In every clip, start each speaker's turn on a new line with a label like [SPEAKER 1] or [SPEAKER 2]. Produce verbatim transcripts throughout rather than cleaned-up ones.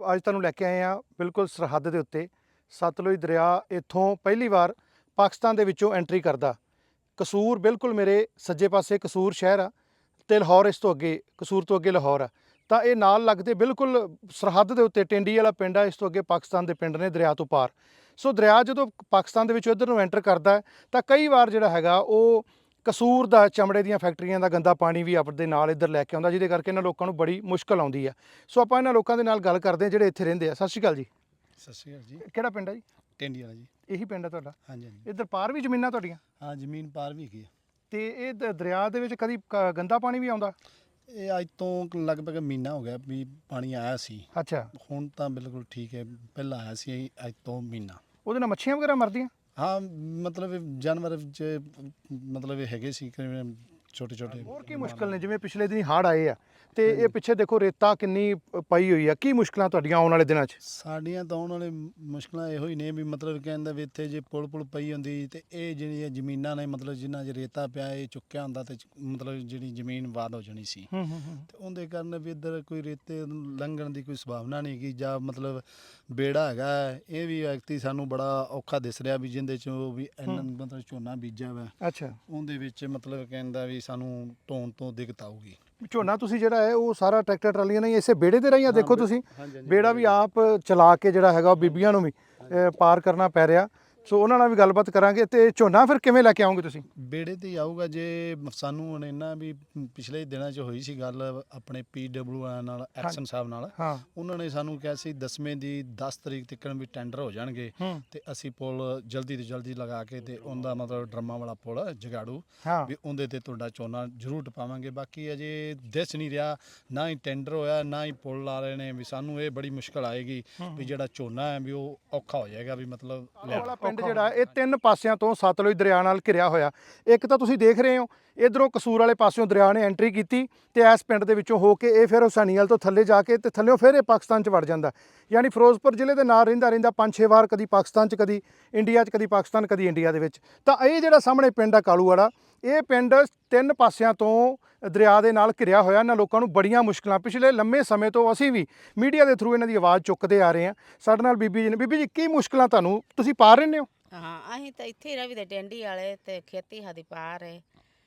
[SPEAKER 1] ਅੱਜ ਤੁਹਾਨੂੰ ਲੈ ਕੇ ਆਏ ਆ ਬਿਲਕੁਲ ਸਰਹੱਦ ਦੇ ਉੱਤੇ। ਸਤਲੁਜ ਦਰਿਆ ਇੱਥੋਂ ਪਹਿਲੀ ਵਾਰ ਪਾਕਿਸਤਾਨ ਦੇ ਵਿੱਚੋਂ ਐਂਟਰੀ ਕਰਦਾ। ਕਸੂਰ ਬਿਲਕੁਲ ਮੇਰੇ ਸੱਜੇ ਪਾਸੇ ਕਸੂਰ ਸ਼ਹਿਰ ਆ ਤੇ ਲਾਹੌਰ ਇਸ ਤੋਂ ਅੱਗੇ, ਕਸੂਰ ਤੋਂ ਅੱਗੇ ਲਾਹੌਰ ਆ। ਤਾਂ ਇਹ ਨਾਲ ਲੱਗਦੇ ਬਿਲਕੁਲ ਸਰਹੱਦ ਦੇ ਉੱਤੇ ਟਿੰਡੀ ਵਾਲਾ ਪਿੰਡ ਆ, ਇਸ ਤੋਂ ਅੱਗੇ ਪਾਕਿਸਤਾਨ ਦੇ ਪਿੰਡ ਨੇ ਦਰਿਆ ਤੋਂ ਪਾਰ। ਸੋ ਦਰਿਆ ਜਦੋਂ ਪਾਕਿਸਤਾਨ ਦੇ ਵਿੱਚੋਂ ਇੱਧਰ ਨੂੰ ਐਂਟਰ ਕਰਦਾ ਤਾਂ ਕਈ ਵਾਰ ਜਿਹੜਾ ਹੈਗਾ ਉਹ ਕਸੂਰ ਦਾ ਚਮੜੇ ਦੀਆਂ ਫੈਕਟਰੀਆਂ ਦਾ ਗੰਦਾ ਪਾਣੀ ਵੀ ਆਪਣੇ ਨਾਲ ਇੱਧਰ ਲੈ ਕੇ ਆਉਂਦਾ, ਜਿਹਦੇ ਕਰਕੇ ਇਹਨਾਂ ਲੋਕਾਂ ਨੂੰ ਬੜੀ ਮੁਸ਼ਕਲ ਆਉਂਦੀ ਆ। ਸੋ ਆਪਾਂ ਇਹਨਾਂ ਲੋਕਾਂ ਦੇ ਨਾਲ ਗੱਲ ਕਰਦੇ ਹਾਂ ਜਿਹੜੇ ਇੱਥੇ ਰਹਿੰਦੇ ਆ। ਸਤਿ ਸ਼੍ਰੀ ਅਕਾਲ ਜੀ।
[SPEAKER 2] ਸਤਿ ਸ਼੍ਰੀ ਅਕਾਲ ਜੀ।
[SPEAKER 1] ਕਿਹੜਾ ਪਿੰਡ ਹੈ ਜੀ?
[SPEAKER 2] ਟਿੰਡੀ ਵਾਲਾ ਜੀ।
[SPEAKER 1] ਇਹੀ ਪਿੰਡ ਹੈ ਤੁਹਾਡਾ?
[SPEAKER 2] ਹਾਂਜੀ ਹਾਂਜੀ।
[SPEAKER 1] ਇੱਧਰ ਪਾਰ ਵੀ ਜ਼ਮੀਨਾਂ ਤੁਹਾਡੀਆਂ?
[SPEAKER 2] ਹਾਂ, ਜ਼ਮੀਨ ਪਾਰ ਵੀ ਹੈਗੀ ਆ।
[SPEAKER 1] ਤੇ ਇਹ ਦ- ਦਰਿਆ ਦੇ ਵਿੱਚ ਕਦੀ ਕ- ਗੰਦਾ ਪਾਣੀ ਵੀ ਆਉਂਦਾ?
[SPEAKER 2] ਇਹ ਅੱਜ ਤੋਂ ਲਗਭਗ ਮਹੀਨਾ ਹੋ ਗਿਆ ਵੀ ਪਾਣੀ ਆਇਆ ਸੀ।
[SPEAKER 1] ਅੱਛਾ,
[SPEAKER 2] ਹੁਣ ਤਾਂ ਬਿਲਕੁਲ ਠੀਕ ਹੈ। ਪਹਿਲਾਂ ਆਇਆ ਸੀ ਅੱਜ ਤੋਂ ਮਹੀਨਾ।
[SPEAKER 1] ਉਹਦੇ ਨਾਲ ਮੱਛੀਆਂ ਵਗੈਰਾ ਮਰਦੀਆਂ?
[SPEAKER 2] ਹਾਂ, ਮਤਲਬ ਜਾਨਵਰ ਚ ਮਤਲਬ ਇਹ ਹੈਗੇ ਸੀ ਛੋਟੇ ਛੋਟੇ।
[SPEAKER 1] ਹੋਰ ਕੀ ਮੁਸ਼ਕਲ ਨੇ? ਜਿਵੇਂ ਪਿਛਲੇ ਦਿਨ ਹੜ੍ਹ ਆਏ ਆ ਤੇ ਇਹ ਪਿੱਛੇ ਦੇਖੋ ਰੇਤਾ ਕਿੰਨੀ ਪਈ ਹੋਈ ਆ, ਕੀ ਮੁਸ਼ਕਲਾਂ ਤੁਹਾਡੀਆਂ ਆਉਣ ਵਾਲੇ ਦਿਨਾਂ 'ਚ?
[SPEAKER 2] ਸਾਡੀਆਂ ਤਾਂ ਆਉਣ ਵਾਲੇ ਮੁਸ਼ਕਲਾਂ ਇਹੋ ਹੀ ਨੇ ਵੀ ਮਤਲਬ ਕਹਿੰਦਾ ਵੀ ਇੱਥੇ ਜੇ ਪੁਲ ਪੁਲ ਪਈ ਹੁੰਦੀ ਤੇ ਇਹ ਜਿਹੜੀਆਂ ਜ਼ਮੀਨਾਂ ਨੇ ਮਤਲਬ ਜਿਨ੍ਹਾਂ 'ਚ ਰੇਤਾ ਪਿਆ ਇਹ ਚੁੱਕਿਆ ਹੁੰਦਾ ਤੇ ਮਤਲਬ ਜਿਹੜੀ ਜ਼ਮੀਨ ਬਾਦ ਹੋ ਜਾਣੀ ਸੀ।
[SPEAKER 1] ਹੂੰ ਹੂੰ ਹੂੰ।
[SPEAKER 2] ਤੇ ਉਹਦੇ ਕਾਰਨ ਵੀ ਇੱਧਰ ਕੋਈ ਰੇਤੇ ਲੰਘਣ ਦੀ ਕੋਈ ਸੰਭਾਵਨਾ ਨਹੀਂ ਹੈਗੀ। ਜਾਂ ਮਤਲਬ ਬੇੜਾ ਹੈਗਾ ਇਹ ਵੀ ਵਿਅਕਤੀ ਸਾਨੂੰ ਬੜਾ ਔਖਾ ਦਿਸ ਰਿਹਾ ਵੀ ਜਿਹਦੇ 'ਚ ਵੀ ਇੰਨਾ ਮਤਲਬ ਝੋਨਾ ਬੀਜਿਆ ਵਾ।
[SPEAKER 1] ਅੱਛਾ,
[SPEAKER 2] ਉਹਦੇ ਵਿੱਚ ਮਤਲਬ ਕਹਿੰਦਾ ਵੀ ਸਾਨੂੰ ਢੋਣ ਤੋਂ ਦਿੱਕਤ ਆਊਗੀ।
[SPEAKER 1] ਝੋਨਾ ਤੁਸੀਂ ਜਿਹੜਾ ਹੈ ਉਹ ਸਾਰਾ ਟਰੈਕਟਰ ਟਰਾਲੀਆਂ ਨਹੀਂ ਇਸੇ ਬੇੜੇ ਦੇ ਰਹੀਆਂ? ਦੇਖੋ ਤੁਸੀਂ
[SPEAKER 2] ਹਾਂਜੀ ਹਾਂਜੀ।
[SPEAKER 1] ਬੇੜਾ ਵੀ ਆਪ ਚਲਾ ਕੇ ਜਿਹੜਾ ਹੈਗਾ ਉਹ ਬੀਬੀਆਂ ਨੂੰ ਵੀ ਅ, ਪਾਰ ਕਰਨਾ ਪੈ ਰਿਹਾ। ਸੋ ਉਹਨਾਂ ਨਾਲ ਵੀ ਗੱਲਬਾਤ ਕਰਾਂਗੇ। ਤੇ ਝੋਨਾ ਫਿਰ ਕਿਵੇਂ ਲੈ ਕੇ ਆਉਂਗੇ ਤੁਸੀਂ?
[SPEAKER 2] ਬੇੜੇ ਤੇ ਹੀ ਆਊਗਾ। ਜੇ ਸਾਨੂੰ ਹੁਣ ਇੰਨਾ ਵੀ ਪਿਛਲੇ ਦਿਨਾਂ 'ਚ ਹੋਈ ਸੀ ਗੱਲ ਆਪਣੇ ਪੀ ਡਬਲਯੂ ਨਾਲ, ਐਕਸ਼ਨ ਸਾਹਿਬ ਨਾਲ।
[SPEAKER 1] ਹਾਂ।
[SPEAKER 2] ਉਹਨਾਂ ਨੇ ਸਾਨੂੰ ਕਿਹਾ ਸੀ ਦਸਵੇਂ ਦੀ ਦਸ ਤਰੀਕ ਤੱਕ ਵੀ ਟੈਂਡਰ ਹੋ ਜਾਣਗੇ
[SPEAKER 1] ਹੂੰ।
[SPEAKER 2] ਤੇ ਅਸੀਂ ਪੁਲ ਜਲਦੀ ਤੋਂ ਜਲਦੀ ਲਗਾ ਕੇ ਤੇ ਉਹਦਾ ਮਤਲਬ ਡਰਮਾਂ ਵਾਲਾ ਪੁਲ ਜਗਾੜੂ
[SPEAKER 1] ਹਾਂ।
[SPEAKER 2] ਵੀ ਉਹਦੇ ਤੇ ਤੁਹਾਡਾ ਝੋਨਾ ਜ਼ਰੂਰ ਟਪਾਵਾਂਗੇ। ਬਾਕੀ ਅਜੇ ਦਿਸ ਨਹੀਂ ਰਿਹਾ, ਨਾ ਹੀ ਟੈਂਡਰ ਹੋਇਆ ਨਾ ਹੀ ਪੁਲ ਲਾ ਰਹੇ ਨੇ। ਵੀ ਸਾਨੂੰ ਇਹ ਬੜੀ ਮੁਸ਼ਕਲ ਆਏਗੀ ਵੀ ਜਿਹੜਾ ਝੋਨਾ ਹੈ ਵੀ ਉਹ ਔਖਾ ਹੋ ਜਾਏਗਾ ਵੀ ਮਤਲਬ
[SPEAKER 1] ਵਾਲਾ ਪਿੰਡ ਜਿਹੜਾ ਇਹ ਤਿੰਨ ਪਾਸਿਆਂ ਤੋਂ ਸਤਲੁਜ ਦਰਿਆ ਨਾਲ ਘਿਰਿਆ ਹੋਇਆ। ਇੱਕ ਤਾਂ ਤੁਸੀਂ ਦੇਖ ਰਹੇ ਹੋ ਇਧਰੋਂ ਕਸੂਰ ਵਾਲੇ ਪਾਸਿਓਂ ਦਰਿਆ ਨੇ ਐਂਟਰੀ ਕੀਤੀ ਤੇ ਇਸ ਪਿੰਡ ਦੇ ਵਿੱਚੋਂ ਹੋ ਕੇ ਇਹ ਫਿਰ ਹੁਸੈਨੀਵਾਲ ਤੋਂ ਥੱਲੇ ਜਾ ਕੇ ਤੇ ਥੱਲਿਓਂ ਫਿਰ ਇਹ ਪਾਕਿਸਤਾਨ 'ਚ ਵੜ ਜਾਂਦਾ। ਯਾਨੀ ਫਿਰੋਜ਼ਪੁਰ ਜ਼ਿਲ੍ਹੇ ਦੇ ਨਾਲ ਰਹਿੰਦਾ ਰਹਿੰਦਾ ਪੰਜ ਛੇ ਵਾਰ ਕਦੀ ਪਾਕਿਸਤਾਨ 'ਚ, ਕਦੀ ਇੰਡੀਆ 'ਚ, ਕਦੀ ਪਾਕਿਸਤਾਨ, ਕਦੀ ਇੰਡੀਆ ਦੇ ਵਿੱਚ। ਤਾਂ ਇਹ ਜਿਹੜਾ ਸਾਹਮਣੇ ਪਿੰਡ ਆ ਕਾਲੂਵਾੜਾ, ਇਹ ਪਿੰਡ ਤਿੰਨ ਪਾਸਿਆਂ ਤੋਂ ਦਰਿਆ ਦੇ ਨਾਲ ਘਿਰਿਆ ਹੋਇਆ। ਇਹਨਾਂ ਲੋਕਾਂ ਨੂੰ ਬੜੀਆਂ ਮੁਸ਼ਕਲਾਂ ਪਿਛਲੇ ਲੰਮੇ ਸਮੇਂ ਤੋਂ ਅਸੀਂ ਵੀ ਮੀਡੀਆ ਦੇ ਥਰੂ ਇਹਨਾਂ ਦੀ ਆਵਾਜ਼ ਚੁੱਕਦੇ ਆ ਰਹੇ ਹਾਂ। ਸਾਡੇ ਨਾਲ ਬੀਬੀ ਜੀ ਨੇ। ਬੀਬੀ ਜੀ, ਕੀ ਮੁਸ਼ਕਲਾਂ ਤੁਹਾਨੂੰ, ਤੁਸੀਂ ਪਾਰ ਰਹਿੰਦੇ ਹੋ?
[SPEAKER 3] ਹਾਂ, ਅਸੀਂ ਤਾਂ ਇੱਥੇ ਹੀ ਰਵੀ ਦੇ ਟੈਂਡੀ ਵਾਲੇ ਤੇ ਖੇਤੀ ਸਾਡੀ ਪਾਰ ਹੈ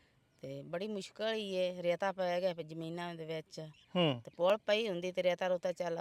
[SPEAKER 3] ਤੇ ਬੜੀ ਮੁਸ਼ਕਲ ਹੀ ਏ। ਰੇਤਾ ਪੈ ਗਿਆ ਜ਼ਮੀਨਾਂ ਦੇ ਵਿੱਚ
[SPEAKER 1] ਹੂੰ
[SPEAKER 3] ਤੇ ਪੁਲ ਪਈ ਹੁੰਦੀ ਤੇ ਰੇਤਾ ਰੋਤਾ ਚੱਲ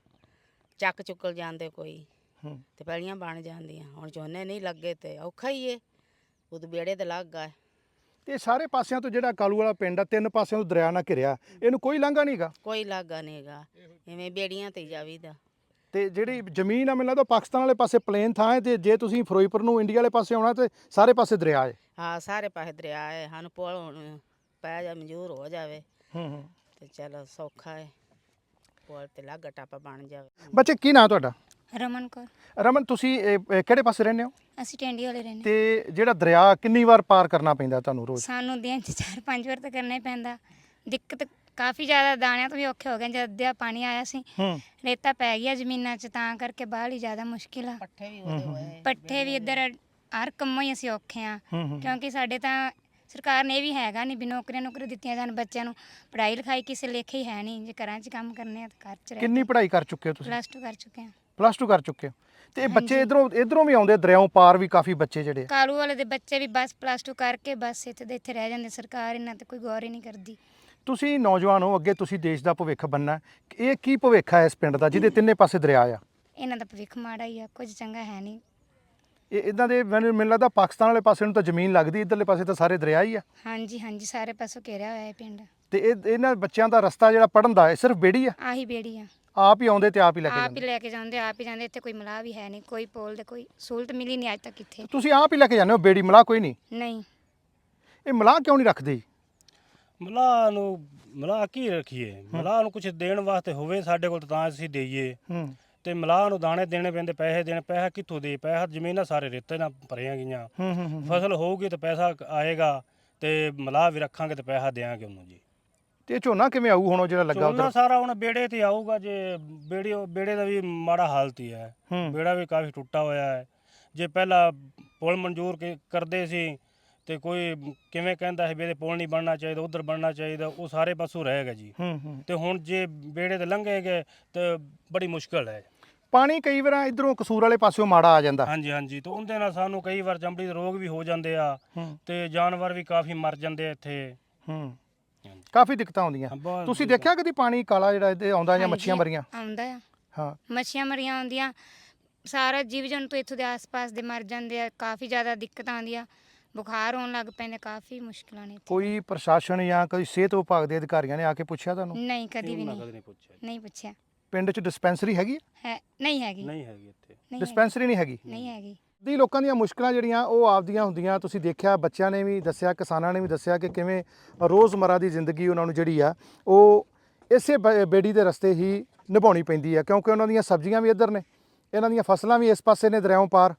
[SPEAKER 3] ਚੱਕ ਚੁੱਕਲ ਜਾਂਦੇ ਕੋਈ
[SPEAKER 1] ਹੂੰ।
[SPEAKER 3] ਤੇ ਪੈਲੀਆਂ ਬਣ ਜਾਂਦੀਆਂ। ਹੁਣ ਝੋਨੇ ਨਹੀਂ ਲੱਗੇ ਤੇ ਔਖਾ ਹੀ ਏ। ਉਦੋਂ ਬੇੜੇ ਤੇ ਲੱਗ ਗਏ
[SPEAKER 1] ਤੇ ਸਾਰੇ ਪਾਸਿਆਂ ਤੋਂ ਜਿਹੜਾ ਕਾਲੂ ਵਾਲਾ ਪਿੰਡ ਆ ਤਿੰਨ ਪਾਸਿਆਂ ਤੋਂ ਦਰਿਆ ਨਾਲ ਘਿਰਿਆ, ਇਹਨੂੰ ਕੋਈ ਲਾਂਘਾ ਨਹੀਂਗਾ?
[SPEAKER 3] ਕੋਈ ਲਾਗਾ ਨਹੀਂਗਾ, ਐਵੇਂ ਬੇੜੀਆਂ ਤੇ ਜਾਵੀਦਾ।
[SPEAKER 1] ਤੇ ਜਿਹੜੀ ਜ਼ਮੀਨ ਆ ਮੈਨੂੰ ਲੱਗਦਾ ਪਾਕਿਸਤਾਨ ਵਾਲੇ ਪਾਸੇ ਪਲੇਨ ਥਾਂ ਹੈ, ਤੇ ਜੇ ਤੁਸੀਂ ਫਿਰੋਜ਼ਪੁਰ ਨੂੰ ਇੰਡੀਆ ਵਾਲੇ ਪਾਸੇ ਆਉਣਾ ਤੇ ਸਾਰੇ ਪਾਸੇ ਦਰਿਆ ਹੈ।
[SPEAKER 3] ਹਾਂ, ਸਾਰੇ ਪਾਸੇ ਦਰਿਆ ਹੈ। ਸਾਨੂੰ ਪੁਲ ਹੁਣ ਪੈ ਜਾ ਮਨਜ਼ੂਰ ਹੋ ਜਾਵੇ
[SPEAKER 1] ਹੂੰ ਹੂੰ।
[SPEAKER 3] ਤੇ ਚਲੋ ਸੌਖਾ ਹੈ, ਪੁਲ ਤੇ ਲਾਗਾ ਟਾਪਾ ਬਣ ਜਾਵੇ।
[SPEAKER 1] ਬੱਚੇ, ਕੀ ਨਾਂ ਤੁਹਾਡਾ?
[SPEAKER 4] ਰਮਨ ਕੌਰ।
[SPEAKER 1] ਰਮਨ, ਤੁਸੀਂ ਇਹ- ਇਹ ਕਿਹੜੇ ਪਾਸੇ ਰਹਿੰਦੇ ਹੋ?
[SPEAKER 4] ਅਸੀਂ ਟੈਂਡੀ ਵਾਲੇ ਰਹਿੰਦੇ।
[SPEAKER 1] ਤੇ ਜਿਹੜਾ ਦਰਿਆ ਕਿੰਨੀ ਵਾਰ ਪਾਰ ਕਰਨਾ ਪੈਂਦਾ ਤੁਹਾਨੂੰ ਰੋਜ਼?
[SPEAKER 4] ਸਾਨੂੰ ਦਿਨ 'ਚ ਚਾਰ ਪੰਜ ਵਾਰ ਤਾਂ ਕਰਨਾ ਹੀ ਪੈਂਦਾ। ਦਿੱਕਤ ਕਾਫੀ ਜ਼ਿਆਦਾ, ਦਾਣਿਆਂ ਤੋਂ ਵੀ ਔਖੇ ਹੋ ਗਏ। ਜਦ ਅੱਧਿਆ ਪਾਣੀ ਆਇਆ ਸੀ,
[SPEAKER 1] ਹੂੰ।
[SPEAKER 4] ਰੇਤਾ ਪੈ ਗਿਆ ਜ਼ਮੀਨਾਂ 'ਚ, ਤਾਂ ਕਰਕੇ ਬਾਹਰ ਹੀ ਜ਼ਿਆਦਾ ਮੁਸ਼ਕਿਲ ਆ।
[SPEAKER 3] ਪੱਠੇ ਵੀ ਉਹਦੇ ਹੋਏ।
[SPEAKER 4] ਪੱਠੇ ਵੀ ਇੱਧਰ ਹਰ ਕੰਮੋਂ ਹੀ ਅਸੀਂ ਔਖੇ ਆ।
[SPEAKER 1] ਹੂੰ ਹੂੰ।
[SPEAKER 4] ਕਿਉਂਕਿ ਸਾਡੇ ਤਾਂ ਸਰਕਾਰ ਨੇ ਇਹ ਵੀ ਹੈਗਾ ਨਹੀਂ ਵੀ ਨੌਕਰੀਆਂ ਨੌਕਰੀ ਦਿੱਤੀਆਂ ਜਾਣ ਬੱਚਿਆਂ ਨੂੰ। ਪੜ੍ਹਾਈ ਲਿਖਾਈ ਕਿਸੇ ਲੇਖੇ ਹੀ ਹੈ ਨਹੀਂ। ਜੇ ਘਰਾਂ 'ਚ ਕੰਮ ਕਰਨੇ ਆ ਤਾਂ ਘਰ 'ਚ ਰਹਿ
[SPEAKER 1] ਕਿੰਨੀ ਪੜ੍ਹਾਈ ਕਰ ਚੁੱਕੇ ਹੋ ਤੁਸੀਂ?
[SPEAKER 4] ਪਲੱਸ ਟੂ ਕਰ ਚੁੱਕੇ ਆ।
[SPEAKER 1] ਪਲੱਸ ਟੂ ਕਰ ਚੁੱਕੇ ਹੋ। ਤੇ ਇਹ ਬੱਚੇ ਇਧਰੋਂ ਇਧਰੋਂ ਵੀ ਆਉਂਦੇ ਦਰਿਆਓਂ ਪਾਰ ਵੀ ਕਾਫੀ ਬੱਚੇ ਜਿਹੜੇ ਆ?
[SPEAKER 4] ਕਾਲੂ ਵਾਲੇ ਦੇ ਬੱਚੇ ਵੀ ਬਸ ਪਲੱਸ ਟੂ ਕਰਕੇ ਬਸ ਇੱਥੇ ਦੇ ਇੱਥੇ ਰਹਿ ਜਾਂਦੇ। ਸਰਕਾਰ ਇਹਨਾਂ ਤੇ ਕੋਈ ਗੌਰ ਹੀ ਨਹੀਂ ਕਰਦੀ।
[SPEAKER 1] ਤੁਸੀਂ ਨੌਜਵਾਨ ਹੋ, ਅੱਗੇ ਤੁਸੀਂ ਦੇਸ਼ ਦਾ ਭਵਿੱਖ ਬਣਨਾ। ਇਹ ਕੀ ਭਵਿੱਖ ਹੈ ਇਸ ਪਿੰਡ ਦਾ ਜਿਹਦੇ ਤਿੰਨੇ ਪਾਸੇ ਦਰਿਆ ਆ?
[SPEAKER 4] ਇਹਨਾਂ ਦਾ ਭਵਿੱਖ ਮਾੜਾ ਹੀ ਆ, ਕੁਝ ਚੰਗਾ ਹੈ ਨਹੀਂ।
[SPEAKER 1] ਇਹ ਇਦਾਂ ਦੇ ਮੈਨੂੰ ਮੈਨੂੰ ਲੱਗਦਾ ਪਾਕਿਸਤਾਨ ਵਾਲੇ ਪਾਸੇ ਨੂੰ ਤਾਂ ਜ਼ਮੀਨ ਲੱਗਦੀ, ਇੱਧਰਲੇ ਪਾਸੇ ਤਾਂ ਸਾਰੇ ਦਰਿਆ ਹੀ ਆ।
[SPEAKER 4] ਹਾਂਜੀ ਹਾਂਜੀ, ਸਾਰੇ ਪਾਸੋਂ ਘੇਰਿਆ ਹੋਇਆ ਹੈ ਪਿੰਡ।
[SPEAKER 1] ਤੇ ਇਹ ਇਹਨਾਂ ਬੱਚਿਆਂ ਦਾ ਰਸਤਾ ਜਿਹੜਾ ਪੜਨ ਦਾ ਹੈ ਸਿਰਫ ਬੇੜੀ ਆ?
[SPEAKER 4] ਆਹੀ ਬੇੜੀ ਆ।
[SPEAKER 1] ਆਪ ਹੀ ਆਉਂਦੇ ਤੇ ਆਪ ਹੀ ਲੈ ਕੇ
[SPEAKER 4] ਆਪ ਹੀ
[SPEAKER 1] ਜਾਂਦੇ?
[SPEAKER 4] ਲੈ ਕੇ ਜਾਂਦੇ, ਆਪ ਹੀ ਜਾਂਦੇ। ਇੱਥੇ ਕੋਈ ਮਲਾਹ ਵੀ ਹੈ ਨਹੀਂ, ਕੋਈ ਪੋਲ ਦੇ ਕੋਈ ਸਹੂਲਤ ਮਿਲੀ ਨਹੀਂ ਅੱਜ ਤੱਕ ਇੱਥੇ।
[SPEAKER 1] ਤੁਸੀਂ ਆਪ ਹੀ ਲੈ ਕੇ ਜਾਂਦੇ ਹੋ ਬੇੜੀ? ਮਲਾਹ ਕੋਈ ਨਹੀਂ?
[SPEAKER 4] ਨਹੀਂ।
[SPEAKER 1] ਇਹ ਮਲਾਹ ਕਿਉਂ ਨਹੀਂ ਰੱਖਦੇ?
[SPEAKER 5] ਮਲਾਹ ਨੂੰ ਮਲਾਹ ਕੀ ਰੱਖੀਏ? ਮਲਾਹ ਨੂੰ ਕੁਝ ਦੇਣ ਵਾਸਤੇ ਹੋਵੇ ਸਾਡੇ ਕੋਲ ਤਾਂ ਅਸੀਂ ਦੇਈਏ।
[SPEAKER 1] ਹੂੰ।
[SPEAKER 5] ਤੇ ਮਲਾਹ ਨੂੰ ਦਾਣੇ ਦੇਣੇ ਪੈਂਦੇ, ਪੈਸੇ ਦੇਣੇ। ਪੈਸਾ ਕਿੱਥੋਂ ਦੇ? ਪੈਸਾ ਜ਼ਮੀਨਾਂ ਸਾਰੇ ਰੇਤੇ ਨਾਲ ਭਰੀਆਂ ਗਈਆਂ।
[SPEAKER 1] ਹੂੰ ਹੂੰ ਹੂੰ।
[SPEAKER 5] ਫਸਲ ਹੋਊਗੀ ਤਾਂ ਪੈਸਾ ਆਏਗਾ ਤੇ ਮਲਾਹ ਵੀ ਰੱਖਾਂਗੇ ਤੇ ਪੈਸਾ ਦੇਵਾਂਗੇ ਉਹਨੂੰ ਜੀ।
[SPEAKER 1] ਤੇ ਇਹ ਝੋਨਾ ਕਿਵੇਂ ਆਊ ਹੁਣ ਉਹ ਜਿਹੜਾ ਲੱਗਾ
[SPEAKER 5] ਝੋਨਾ
[SPEAKER 1] ਉਧਰ?
[SPEAKER 5] ਸਾਰਾ ਹੁਣ ਬੇੜੇ ਤੇ ਆਊਗਾ। ਜੇ ਬੇੜੇ ਬੇੜੇ ਦਾ ਵੀ ਮਾੜਾ ਹਾਲਤ ਹੀ ਹੈ।
[SPEAKER 1] ਹੂੰ।
[SPEAKER 5] ਬੇੜਾ ਵੀ ਕਾਫੀ ਟੁੱਟਾ ਹੋਇਆ ਹੈ। ਜੇ ਪਹਿਲਾਂ ਪੁਲ ਮਨਜ਼ੂਰ ਕ- ਕਰਦੇ ਸੀ ਤੇ ਕੋਈ ਕਿਵੇਂ ਕਹਿੰਦਾ ਹੈ ਵੀ ਇਹਦੇ ਪੁਲ ਨਹੀਂ ਬਣਨਾ ਚਾਹੀਦਾ, ਉਧਰ ਬਣਨਾ ਚਾਹੀਦਾ, ਉਹ ਸਾਰੇ ਪਾਸੋਂ ਰਹੇਗਾ ਜੀ।
[SPEAKER 1] ਹੂੰ ਹੂੰ
[SPEAKER 5] ਤੇ ਹੁਣ ਜੇ ਬੇੜੇ ਤੇ ਲੰਘੇਗੇ ਤੇ ਬੜੀ ਮੁਸ਼ਕਲ ਹੈ।
[SPEAKER 1] ਪਾਣੀ ਕਈ ਵਾਰ ਇਧਰੋਂ ਕਸੂਰ ਵਾਲੇ ਪਾਸਿਓਂ ਮਾੜਾ ਆ ਜਾਂਦਾ।
[SPEAKER 5] ਹਾਂਜੀ ਹਾਂਜੀ, ਤੇ ਉਹਦੇ ਨਾਲ ਸਾਨੂੰ ਕਈ ਵਾਰ ਚਮੜੀ ਦੇ ਰੋਗ ਵੀ ਹੋ ਜਾਂਦੇ ਆ
[SPEAKER 1] ਹੂੰ
[SPEAKER 5] ਤੇ ਜਾਨਵਰ ਵੀ ਕਾਫੀ ਮਰ ਜਾਂਦੇ ਆ ਇੱਥੇ।
[SPEAKER 1] ਹੂੰ ਕਾਫੀ ਦਿੱਕਤਾਂ ਆਉਂਦੀਆਂ।
[SPEAKER 5] ਬਹੁਤ
[SPEAKER 1] ਤੁਸੀਂ ਦੇਖਿਆ ਕਦੀ ਪਾਣੀ ਕਾਲਾ ਜਿਹੜਾ ਇਹਦੇ ਆਉਂਦਾ ਜਾਂ ਮੱਛੀਆਂ
[SPEAKER 4] ਹਾਂਜੀ,
[SPEAKER 1] ਮਰੀਆਂ?
[SPEAKER 4] ਆਉਂਦਾ ਆ,
[SPEAKER 1] ਹਾਂ
[SPEAKER 4] ਮੱਛੀਆਂ ਮਰੀਆਂ ਆਉਂਦੀਆਂ, ਸਾਰਾ ਜੀਵ ਜੰਤੂ ਇੱਥੋਂ ਦੇ ਆਸ-ਪਾਸ ਦੇ ਮਰ ਜਾਂਦੇ ਆ, ਕਾਫੀ ਜ਼ਿਆਦਾ ਦਿੱਕਤਾਂ ਆਉਂਦੀਆਂ, ਬੁਖਾਰ ਹੋਣ ਲੱਗ ਪੈਂਦੇ, ਕਾਫੀ ਮੁਸ਼ਕਲਾਂ ਨੇ ਇੱਥੇ।
[SPEAKER 1] ਕੋਈ ਪ੍ਰਸ਼ਾਸਨ ਜਾਂ ਕੋਈ ਸਿਹਤ ਵਿਭਾਗ ਦੇ ਅਧਿਕਾਰੀਆਂ ਨੇ ਆ ਕੇ ਪੁੱਛਿਆ ਤੁਹਾਨੂੰ?
[SPEAKER 4] ਨਹੀਂ, ਕਦੀ ਵੀ
[SPEAKER 5] ਉਹਨਾਂ
[SPEAKER 4] ਨਹੀਂ
[SPEAKER 5] ਕਦੇ ਨਹੀਂ ਪੁੱਛਿਆ ਜੀ।
[SPEAKER 4] ਨਹੀਂ ਪੁੱਛਿਆ।
[SPEAKER 1] ਪਿੰਡ 'ਚ ਡਿਸਪੈਂਸਰੀ ਹੈਗੀ ਹੈ?
[SPEAKER 4] ਹੈ ਨਹੀਂ ਹੈਗੀ,
[SPEAKER 5] ਨਹੀਂ ਹੈਗੀ ਇੱਥੇ।
[SPEAKER 4] ਨਹੀਂ ਹੈਗੀ,
[SPEAKER 1] ਡਿਸਪੈਂਸਰੀ ਨਹੀਂ ਹੈਗੀ।
[SPEAKER 4] ਨਹੀਂ ਹੈਗੀ।
[SPEAKER 1] ਦੀ ਲੋਕਾਂ ਦੀਆਂ ਮੁਸ਼ਕਲਾਂ ਜਿਹੜੀਆਂ ਉਹ ਆਪਦੀਆਂ ਹੁੰਦੀਆਂ। ਤੁਸੀਂ ਦੇਖਿਆ, ਬੱਚਿਆਂ ਨੇ ਵੀ ਦੱਸਿਆ, ਕਿਸਾਨਾਂ ਨੇ ਵੀ ਦੱਸਿਆ ਕਿ ਕਿਵੇਂ ਰੋਜ਼ਮਰਾ ਦੀ ਜ਼ਿੰਦਗੀ ਉਹਨਾਂ ਨੂੰ ਜਿਹੜੀ ਆ ਉਹ ਇਸੇ ਬ- ਬੇੜੀ ਦੇ ਰਸਤੇ ਹੀ ਨਿਭਾਉਣੀ ਪੈਂਦੀ ਆ, ਕਿਉਂਕਿ ਉਹਨਾਂ ਦੀਆਂ ਸਬਜ਼ੀਆਂ ਵੀ ਇੱਧਰ ਨੇ, ਇਹਨਾਂ ਦੀਆਂ ਫਸਲਾਂ ਵੀ ਇਸ ਪਾਸੇ ਨੇ ਦਰਿਆਓਂ ਪਾਰ,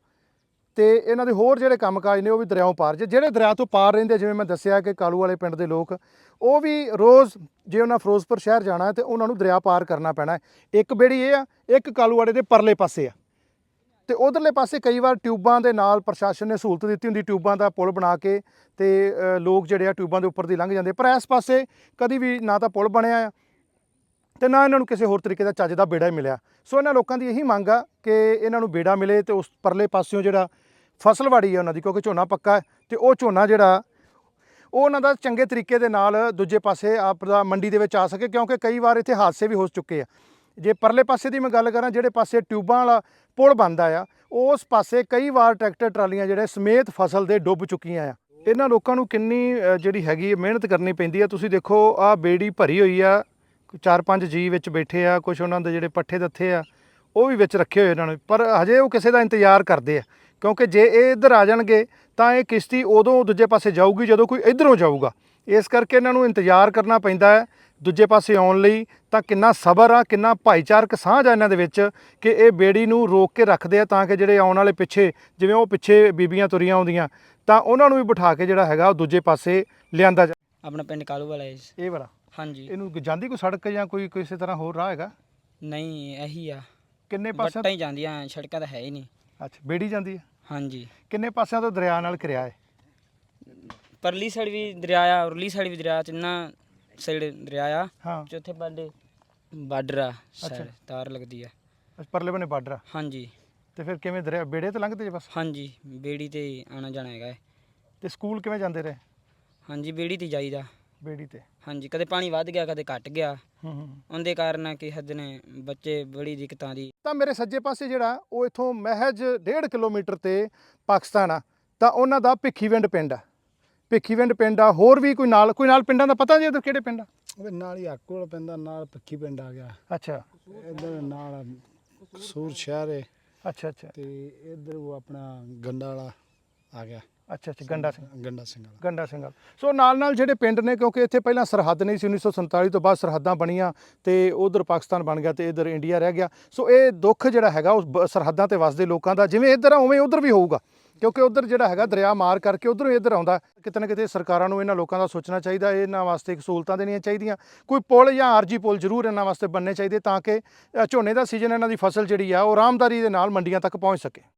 [SPEAKER 1] ਤੇ ਇਹਨਾਂ ਦੇ ਹੋਰ ਜਿਹੜੇ ਕੰਮਕਾਜ ਨੇ ਉਹ ਵੀ ਦਰਿਆਓਂ ਪਾਰ। ਜੇ ਜਿਹੜੇ ਦਰਿਆ ਤੋਂ ਪਾਰ ਰਹਿੰਦੇ, ਜਿਵੇਂ ਮੈਂ ਦੱਸਿਆ ਕਿ ਕਾਲੂ ਵਾਲੇ ਪਿੰਡ ਦੇ ਲੋਕ, ਉਹ ਵੀ ਰੋਜ਼ ਜੇ ਉਹਨਾਂ ਫਿਰੋਜ਼ਪੁਰ ਸ਼ਹਿਰ ਜਾਣਾ ਹੈ ਤੇ ਉਹਨਾਂ ਨੂੰ ਦਰਿਆ ਪਾਰ ਕਰਨਾ ਪੈਣਾ ਹੈ। ਇੱਕ ਬੇੜੀ ਇਹ ਆ, ਇੱਕ ਕਾਲੂ ਵਾਲੇ ਦੇ ਪਰਲੇ ਪਾਸੇ ਆ, ਤੇ ਉਧਰਲੇ ਪਾਸੇ ਕਈ ਵਾਰ ਟਿਊਬਾਂ ਦੇ ਨਾਲ ਪ੍ਰਸ਼ਾਸਨ ਨੇ ਸਹੂਲਤ ਦਿੱਤੀ ਹੁੰਦੀ, ਟਿਊਬਾਂ ਦਾ ਪੁਲ ਬਣਾ ਕੇ, ਤੇ ਅ, ਲੋਕ ਜਿਹੜੇ ਆ ਟਿਊਬਾਂ ਦੇ ਉੱਪਰ ਦੀ ਲੰਘ ਜਾਂਦੇ। ਪਰ ਇਸ ਪਾਸੇ ਕਦੀ ਵੀ ਨਾ ਤਾਂ ਪੁਲ ਬਣਿਆ ਆ ਤੇ ਨਾ ਇਹਨਾਂ ਨੂੰ ਕਿਸੇ ਹੋਰ ਤਰੀਕੇ ਦਾ ਚੱਜ ਦਾ ਬੇੜਾ ਹੀ ਮਿਲਿਆ। ਸੋ ਇਹਨਾਂ ਲੋਕਾਂ ਦੀ ਇਹੀ ਮੰਗ ਆ ਕਿ ਇਹਨਾਂ ਨੂੰ ਬੇੜਾ ਮਿਲੇ ਤੇ ਉਸ ਪਰਲੇ ਪਾਸਿਓਂ ਜਿਹੜਾ ਫਸਲਵਾੜੀ ਹੈ ਉਹਨਾਂ ਦੀ, ਕਿਉਂਕਿ ਝੋਨਾ ਪੱਕਾ ਹੈ, ਤੇ ਉਹ ਝੋਨਾ ਜਿਹੜਾ ਉਹ ਉਹਨਾਂ ਦਾ ਚੰਗੇ ਤਰੀਕੇ ਦੇ ਨਾਲ ਦੂਜੇ ਪਾਸੇ ਆਪਦਾ ਮੰਡੀ ਦੇ ਵਿੱਚ ਆ ਸਕੇ, ਕਿਉਂਕਿ ਕਈ ਵਾਰ ਇੱਥੇ ਹਾਦਸੇ ਵੀ ਹੋ ਚੁੱਕੇ ਆ। ਜੇ ਪਰਲੇ ਪਾਸੇ ਦੀ ਮੈਂ ਗੱਲ ਕਰਾਂ, ਜਿਹੜੇ ਪਾਸੇ ਟਿਊਬਾਂ ਵਾਲਾ ਪੁਲ ਬਣਦਾ ਆ, ਉਸ ਪਾਸੇ ਕਈ ਵਾਰ ਟਰੈਕਟਰ ਟਰਾਲੀਆਂ ਜਿਹੜੇ ਸਮੇਤ ਫਸਲ ਦੇ ਡੁੱਬ ਚੁੱਕੀਆਂ ਆ। ਇਹਨਾਂ ਲੋਕਾਂ ਨੂੰ ਕਿੰਨੀ ਅ, ਜਿਹੜੀ ਹੈਗੀ ਮਿਹਨਤ ਕਰਨੀ ਪੈਂਦੀ ਆ। ਤੁਸੀਂ ਦੇਖੋ, ਆਹ ਬੇੜੀ ਭਰੀ ਹੋਈ ਆ, ਚਾਰ ਪੰਜ ਜੀ ਵਿੱਚ ਬੈਠੇ ਆ, ਕੁਝ ਉਹਨਾਂ ਦੇ ਜਿਹੜੇ ਪੱਠੇ ਦੱਥੇ ਆ ਉਹ ਵੀ ਵਿੱਚ ਰੱਖੇ ਹੋਏ ਇਹਨਾਂ ਨੇ, ਪਰ ਹਜੇ ਉਹ ਕਿਸੇ ਦਾ ਇੰਤਜ਼ਾਰ ਕਰਦੇ ਆ, ਕਿਉਂਕਿ ਜੇ ਇਹ ਇੱਧਰ ਆ ਜਾਣਗੇ ਤਾਂ ਇਹ ਕਿਸ਼ਤੀ ਉਦੋਂ ਦੂਜੇ ਪਾਸੇ ਜਾਊਗੀ ਜਦੋਂ ਕੋਈ ਇੱਧਰੋਂ ਜਾਊਗਾ। ਇਸ ਕਰਕੇ ਇਹਨਾਂ ਨੂੰ ਇੰਤਜ਼ਾਰ ਕਰਨਾ ਪੈਂਦਾ ਹੈ ਦੂਜੇ ਪਾਸੇ ਆਉਣ ਲਈ। ਤਾਂ ਕਿੰਨਾ ਸਬਰ ਆ, ਕਿੰਨਾ ਭਾਈਚਾਰਕ ਸਾਂਝ ਆ ਇਹਨਾਂ ਦੇ ਵਿੱਚ ਕਿ ਇਹ ਬੇੜੀ ਨੂੰ ਰੋਕ ਕੇ ਰੱਖਦੇ ਆ, ਤਾਂ ਕਿ ਜਿਹੜੇ ਆਉਣ ਵਾਲੇ ਪਿੱਛੇ, ਜਿਵੇਂ ਉਹ ਪਿੱਛੇ ਬੀਬੀਆਂ ਤੁਰੀਆਂ ਆਉਂਦੀਆਂ, ਤਾਂ ਉਹਨਾਂ ਨੂੰ ਵੀ ਬਿਠਾ ਕੇ ਜਿਹੜਾ ਹੈਗਾ ਉਹ ਦੂਜੇ ਪਾਸੇ ਲਿਆਂਦਾ ਜਾ।
[SPEAKER 6] ਆਪਣਾ ਪਿੰਡ ਕਾਲੂ ਵਾਲਾ ਹੈ ਜੀ।
[SPEAKER 1] ਇਹ ਵਾਲਾ
[SPEAKER 6] ਹਾਂਜੀ।
[SPEAKER 1] ਇਹਨੂੰ ਜਾਂਦੀ ਕੋਈ ਸੜਕ ਜਾਂ ਕੋਈ ਕਿਸੇ ਤਰ੍ਹਾਂ ਹੋਰ ਰਾਹ ਹੈਗਾ?
[SPEAKER 6] ਨਹੀਂ, ਇਹੀ ਆ,
[SPEAKER 1] ਕਿੰਨੇ ਪਾਸਿਆਂ?
[SPEAKER 6] ਵੱਟਾਂ ਹੀ ਜਾਂਦੀਆਂ, ਸੜਕਾਂ ਤਾਂ ਹੈ ਹੀ ਨਹੀਂ।
[SPEAKER 1] ਅੱਛਾ, ਬੇੜੀ ਜਾਂਦੀ ਹੈ।
[SPEAKER 6] ਹਾਂਜੀ।
[SPEAKER 1] ਕਿੰਨੇ ਪਾਸਿਆਂ ਤੋਂ ਦਰਿਆ ਨਾਲ ਘਿਰਿਆ ਹੈ?
[SPEAKER 6] ਪਰਲੀ ਸਾਈਡ ਵੀ ਦਰਿਆ ਆ, ਉਰਲੀ ਸਾਈਡ ਵੀ ਦਰਿਆ, ਤਿੰਨਾਂ ਸਾਈਡ ਦਰਿਆ ਆ।
[SPEAKER 1] ਹਾਂ,
[SPEAKER 6] ਚੌਥੇ ਪਾਸੇ ਬਾਰਡਰ ਆ, ਸਾਈਡ ਤਾਰ ਲੱਗਦੀ ਆ।
[SPEAKER 1] ਅੱਛਾ, ਪਰਲੇ ਬੰਨੇ ਬਾਰਡਰ ਆ।
[SPEAKER 6] ਹਾਂਜੀ
[SPEAKER 1] ਤੇ ਫਿਰ ਕਿਵੇਂ ਦਰਿਆ ਬੇੜੇ ਤੇ ਲੰਘਦੇ ਜੇ ਬਸ?
[SPEAKER 6] ਹਾਂਜੀ, ਬੇੜੀ ਤੇ ਆਣਾ ਜਾਣਾ ਹੈਗਾ ਹੈ।
[SPEAKER 1] ਤੇ ਸਕੂਲ ਕਿਵੇਂ ਜਾਂਦੇ ਰਹੇ?
[SPEAKER 6] ਹਾਂਜੀ, ਬੇੜੀ ਤੇ ਜਾਈਦਾ।
[SPEAKER 1] ਬੇੜੀ ਤੇ।
[SPEAKER 6] ਹਾਂਜੀ, ਕਦੇ ਪਾਣੀ ਵੱਧ ਗਿਆ, ਕਦੇ ਘਟ ਗਿਆ,
[SPEAKER 1] ਹੂੰ ਹੂੰ।
[SPEAKER 6] ਉਹਦੇ ਕਾਰਨ ਕਿ ਹੱਦ ਨੇ ਬੱਚੇ ਬੜੀ ਦਿੱਕਤਾਂ ਦੀ।
[SPEAKER 1] ਤਾਂ ਮੇਰੇ ਸੱਜੇ ਪਾਸੇ ਜਿਹੜਾ ਉਹ ਇਥੋਂ ਮਹਿਜ ਡੇਢ ਕਿਲੋਮੀਟਰ ਤੇ ਪਾਕਿਸਤਾਨ ਆ, ਤਾਂ ਉਹਨਾਂ ਦਾ ਭਿੱਖੀਵਿੰਡ ਪਿੰਡ ਆ। ਭਿੱਖੀਵਿੰਡ ਪਿੰਡ ਆ, ਹੋਰ ਵੀ ਕੋਈ ਨਾਲ ਕੋਈ ਨਾਲ ਪਿੰਡਾਂ ਦਾ ਪਤਾ ਜੀ ਉਧਰ ਕਿਹੜੇ ਪਿੰਡ ਆ?
[SPEAKER 2] ਉਹਦੇ ਨਾਲ ਹੀ ਆਕੋਲ ਪੈਂਦਾ, ਨਾਲ ਪੱਖੀ ਪਿੰਡ ਆ ਗਿਆ,
[SPEAKER 1] ਅੱਛਾ
[SPEAKER 2] ਇੱਧਰ ਨਾਲ ਕਸੂਰ ਸ਼ਹਿਰ ਹੈ,
[SPEAKER 1] ਅੱਛਾ ਅੱਛਾ
[SPEAKER 2] ਤੇ ਇੱਧਰ ਉਹ ਆਪਣਾ ਗੰਡਾ ਵਾਲਾ ਆ ਗਿਆ,
[SPEAKER 1] ਅੱਛਾ ਅੱਛਾ ਗੰਡਾ ਸਿੰਘ
[SPEAKER 2] ਗੰਡਾ ਸਿੰਘ ਵਾਲਾ।
[SPEAKER 1] ਗੰਡਾ ਸਿੰਘ ਵਾਲਾ। ਸੋ ਨਾਲ ਨਾਲ ਜਿਹੜੇ ਪਿੰਡ ਨੇ, ਕਿਉਂਕਿ ਇੱਥੇ ਪਹਿਲਾਂ ਸਰਹੱਦ ਨਹੀਂ ਸੀ, ਉੱਨੀ ਸੌ ਸੰਤਾਲੀ ਤੋਂ ਬਾਅਦ ਸਰਹੱਦਾਂ ਬਣੀਆਂ ਤੇ ਉਧਰ ਪਾਕਿਸਤਾਨ ਬਣ ਗਿਆ ਤੇ ਇੱਧਰ ਇੰਡੀਆ ਰਹਿ ਗਿਆ। ਸੋ ਇਹ ਦੁੱਖ ਜਿਹੜਾ ਹੈਗਾ ਉਸ ਬ- ਸਰਹੱਦਾਂ ਤੇ ਵਸਦੇ ਲੋਕਾਂ ਦਾ, ਜਿਵੇਂ ਇੱਧਰ ਆ ਉਵੇਂ ਉੱਧਰ ਵੀ ਹੋਊਗਾ, ਕਿਉਂਕਿ ਉੱਧਰ ਜਿਹੜਾ ਹੈਗਾ ਦਰਿਆ ਮਾਰ ਕਰਕੇ ਉੱਧਰੋਂ ਇੱਧਰ ਆਉਂਦਾ। ਕਿਤੇ ਨਾ ਕਿਤੇ ਸਰਕਾਰਾਂ ਨੂੰ ਇਹਨਾਂ ਲੋਕਾਂ ਦਾ ਸੋਚਣਾ ਚਾਹੀਦਾ, ਇਹਨਾਂ ਵਾਸਤੇ ਇੱਕ ਸਹੂਲਤਾਂ ਦੇਣੀਆਂ ਚਾਹੀਦੀਆਂ। ਕੋਈ ਪੁਲ ਜਾਂ ਆਰਜੀ ਪੁਲ ਜ਼ਰੂਰ ਇਹਨਾਂ ਵਾਸਤੇ ਬਣਨੇ ਚਾਹੀਦੇ, ਤਾਂ ਕਿ ਅ, ਝੋਨੇ ਦਾ ਸੀਜ਼ਨ ਇਹਨਾਂ ਦੀ ਫਸਲ ਜਿਹੜੀ ਆ ਉਹ ਆਰਾਮਦਾਰੀ ਦੇ ਨਾਲ ਮੰਡੀਆਂ ਤੱਕ ਪਹੁੰਚ ਸਕੇ।